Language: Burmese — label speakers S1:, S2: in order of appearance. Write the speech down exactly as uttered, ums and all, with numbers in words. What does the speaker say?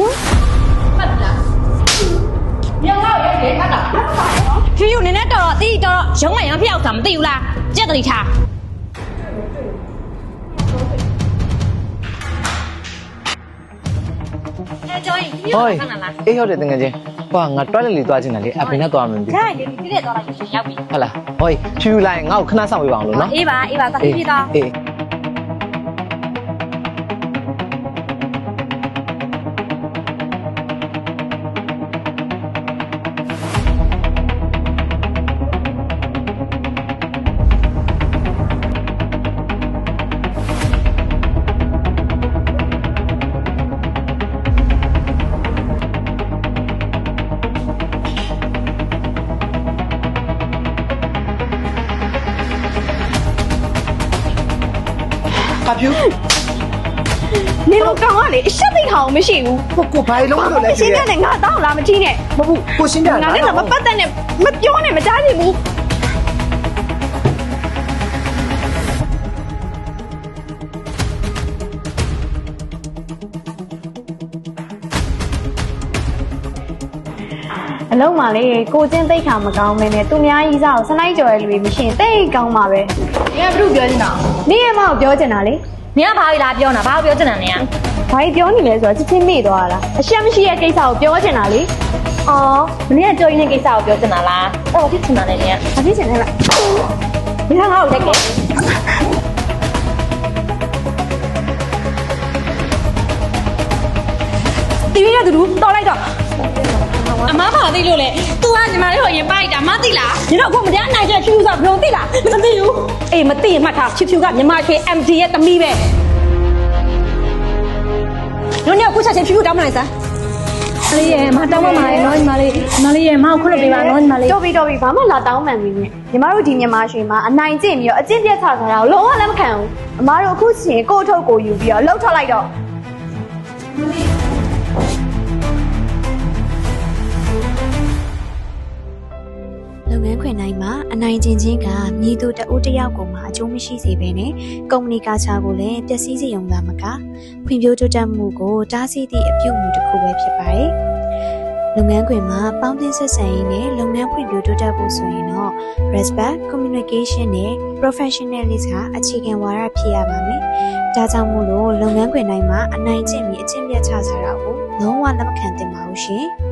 S1: မှတ်လားညောင်တော့ရဲရဲမှတ်လားဖြူဖြူနည်းနည်းတော်တော့တီးတော်တော့ရုံးမရမ်းဖျောက်တာမသိဘူးလားကြက်တတိထားအဲကျော်ရင်ဖြူဖြူခဏလား
S2: အေးဟုတ်တယ်တကယ်ချင်းဟိုကငါတွက်လက်လေးသွားချင်တယ်လေအဖေနဲ့သွားမှမသိ
S1: ခိုင်းလေတိတဲ့သွားလိုက်ရှင်ရောက်ပြီ
S2: ဟုတ်လားဟိုဖြူလိုက်ငါ့ကိုခဏဆောင်ပေးပါအောင်လို့နော်
S1: အေးပါအေးပါသာပြေးတော့
S2: အေးအဖြူ
S3: နေမကောင်ကလေအရှက်သိအောင်မရှိဘူး
S2: ကိုကိုဘာလုံးလို့လဲ
S3: ရှင်းပြတယ်ငါတောင်းလာမကြည့်နဲ့
S2: မဟုတ်ကိုရှင်းပြတာ
S3: ငါလည်းမပတ်သက်နဲ့မပြောနဲ့မကြားချင်ဘူးအလုံးပါလေကိုချင်းသိခါမကောင်းမင်းနဲ့သူများကြီးစားကိုစလိုက်ကြော်ရလူမရှိရင်တိတ်ကောင်းပါပဲ။နေကဘုပြောနေတာ။နေရမကိုပြောချင်တာလေ
S1: နင်ကဘာလို့လာပြောနေတာဘာလို့ပြောချင်တာနင်က
S3: ။ဘာကြီးပြောနေလဲဆိုတော့ချစ်ချင်းမေ့သွားတာ။အရှက်မရှိရဲ့ကိစ္စကိုပြောချင်တာလေ။
S1: အော်မင်းကကြော်ရင်းတဲ့ကိစ္စကိုပြောချင်တာလားအော်ဖြစ်ချင်တာလေနင်က
S3: ။ဘာဖြစ်ချင်လဲလား
S1: ဒီကငါ့ကိုလက်ကဲတီးရတဲ့သူတော်လိုက်တော့အမဘာသိလို့လဲ तू ကညီမလေးကိုအရင်ပိုက်တာမသိလားညီတော့အခုမတရားနိုင်ချက်ဖြူဆိုဘယ်လိုသိလားမသိဘူးအေးမသိရင်မှတ်ထားဖြူဖြူကညီမချွေ M D ရဲ့သမီးပဲညနေအခုချက်ချင်းဖြူဖြူတောင်းမလိုက်စမ်းအလေးရဲ့မတောင်းမပါနဲ့နော်ညီမလေးညီမလေးရဲ့မအောင်ခွလို့ပေးပါနော်ညီမလေး
S3: တော်ပြီတော်ပြီဘာမှလာတောင်းမှန်မင်းနဲ့ညီမတို့ဒီမြန်မာရွှေမှာအနိုင်ကျင့်ပြီးတော့အကျင့်ပြတ်ချထားတာကိုလုံးဝလက်မခံဘူးအမားတို့အခုချင်းကိုယ့်အထုတ်ကိုယူပြီးတော့လှုပ်ထွက်လိုက်တော့လုပ်ငန်းခွင်တိုင်းမှာအနိုင်ကျင့်ခြင်းကမြည်သူတဦးတစ်ယောက်ကိုမှအကျိုးမရှိစေဘဲနဲ့ကုမ္ပဏီကာချာကိုလည်းပျက်စီးစေုံသာမကဖွံ့ဖြိုးတိုးတက်မှုကိုတားဆီးသည့်အပြုအမူတစ်ခုပဲဖြစ်ပါတယ်။လုပ်ငန်းခွင်မှာပေါင်းသင်းဆက်ဆံရေးနဲ့လုပ်ငန်းဖွံ့ဖြိုးတိုးတက်ဖို့ဆိုရင်တော့ respect, communication နဲ့ professionalism ကအခြေခံဝါဒဖြစ်ရပါမယ်။ဒါကြောင့်မို့လို့လုပ်ငန်းခွင်တိုင်းမှာအနိုင်ကျင့်ပြီးအကျင့်ပြတ်ချစားတာကိုလုံးဝလက်မခံသင့်ပါဘူးရှင်။